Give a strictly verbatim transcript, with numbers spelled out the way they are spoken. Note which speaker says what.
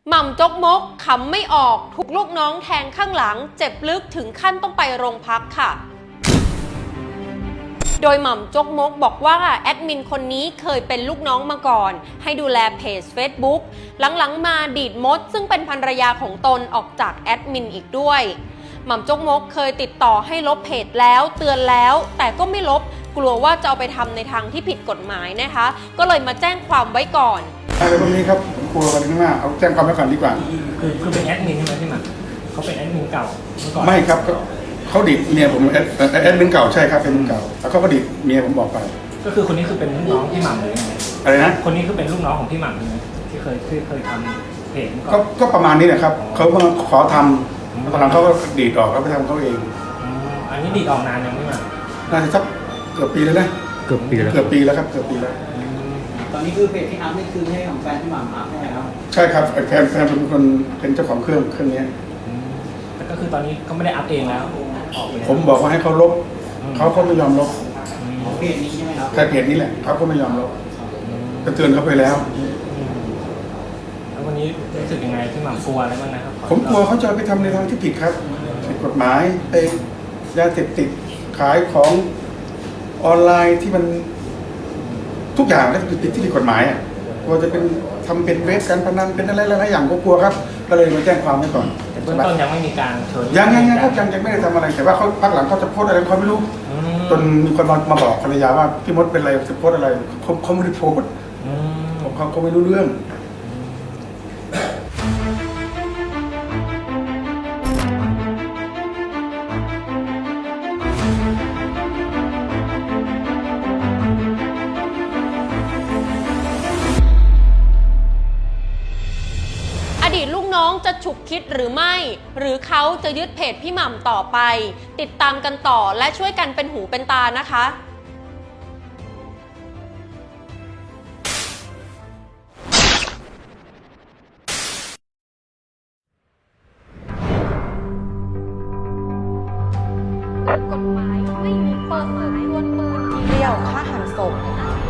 Speaker 1: หม่ำจกมกขำไม่ออกถูกลูกน้องแทงข้างหลังเจ็บลึกถึงขั้นต้องไปโรงพักค่ะโดยหม่ำจกมกบอกว่าแอดมินคนนี้เคยเป็นลูกน้องมาก่อนให้ดูแลเพจ Facebook หลังๆมาดีดมดซึ่งเป็นภรรยาของตนออกจากแอดมินอีกด้วยหม่ำจกมกเคยติดต่อให้ลบเพจแล้วเตือนแล้วแต่ก็ไม่ลบกลัวว่าจะเอาไปทำในทางที่ผิดกฎหมายนะคะก็เลยมาแจ้งความไว้ก่อน
Speaker 2: อะไรพวกนี้ครับผมกลัวกันข้างหน้าเอาแจ้งความไว้ก่อนดีกว่า
Speaker 3: คือคือเป็นแอดมินใช่ไหมพี่หม่ำเขาเป็นแอดมินเก่าเมื่อก่อน
Speaker 2: ไม่ครับเขาดิดเมียผมแอดแอดมินเก่าใช่ครับเป็นเก่าแล้วเขาก็ดิดเมียผมบอกไป
Speaker 3: ก็คือคนนี้คือเป็นลูกน้องพี่หม่ำเลย
Speaker 2: อะไรนะ
Speaker 3: คนนี้คือเป็นลูกน้องของพี่หม่ำใช่ไหมที่เคยที่เคยทำเพจ
Speaker 2: ก็ก็ประมาณนี้แหละครับเขาเพิ่งขอทำตอนหลังเขาก็ดีดออกแล้วไปทำเขาเอง
Speaker 3: อันนี้ดีดออกนานยังพี่หม่ำ
Speaker 2: น่าจะสักเกือบปีแล้วนะ
Speaker 3: เกือบปีแล้ว
Speaker 2: เกือบปีแล้วครับเกือบปีแล้ว
Speaker 4: ตอนนี้คือเพจที่อัพนี่คือให้ของแฟนที่หม่ำอัพใช่ไหมครับ
Speaker 2: ใช่ครับแฟนแฟนเป็นคนเป็นเจ้าของเครื่องเครื่องนี้
Speaker 3: แต่ก็คือตอนนี้ก็ไม่ได้อัพเองแล้ว
Speaker 2: ผมบอกว่าให้เขาลบเขาก็ไม่ยอมลบ
Speaker 4: เพจนี้ใช่ไหมครับ
Speaker 2: ใช่เพจนี้แหละเขาก็ไม่ยอมลบก็เตือนเขาไปแล้ว
Speaker 3: แล้ววันนี้รู้สึกยังไงพี่หม่ำกลัวอะไรบ้างนะครับ
Speaker 2: ผมกลัวเขาจะไปทำในทางที่ผิดครับผิดกฎหมายไปยาเสพติดขายของออนไลน์ที่มันทุกอย่างก็คือติดที่ผิดกฎหมายอ่ะกลัวจะเป็นทำเป็นเว็บการพนันเป็นอะไรหลายๆอย่างก็กลัวครับก็เลยมาแจ้งความไว้ก่อน
Speaker 3: แต่เบื้องต้นยังไม่มีการเชิญ
Speaker 2: ยังยังยังเขายังยังไม่ได้ทำอะไรแต่ว่าเขาพักหลังเขาจะโพสอะไรเขาไม่รู้จนมีคนมามาบอกภรรยาว่าพี่มดเป็นอะไรจะโพสอะไรเขาเขาไม่ได้โพสเขาเขาไม่รู้เรื่อง
Speaker 1: อดีตลูกน้องจะฉุกคิดหรือไม่หรือเขาจะยึดเพจพี่หม่ำต่อไปติดตามกันต่อและช่วยกันเป็นหูเป็นตานะคะกฎหมายไม่มีเปิดเผยล้วนปืนทีเดียวฆ่าหันศพ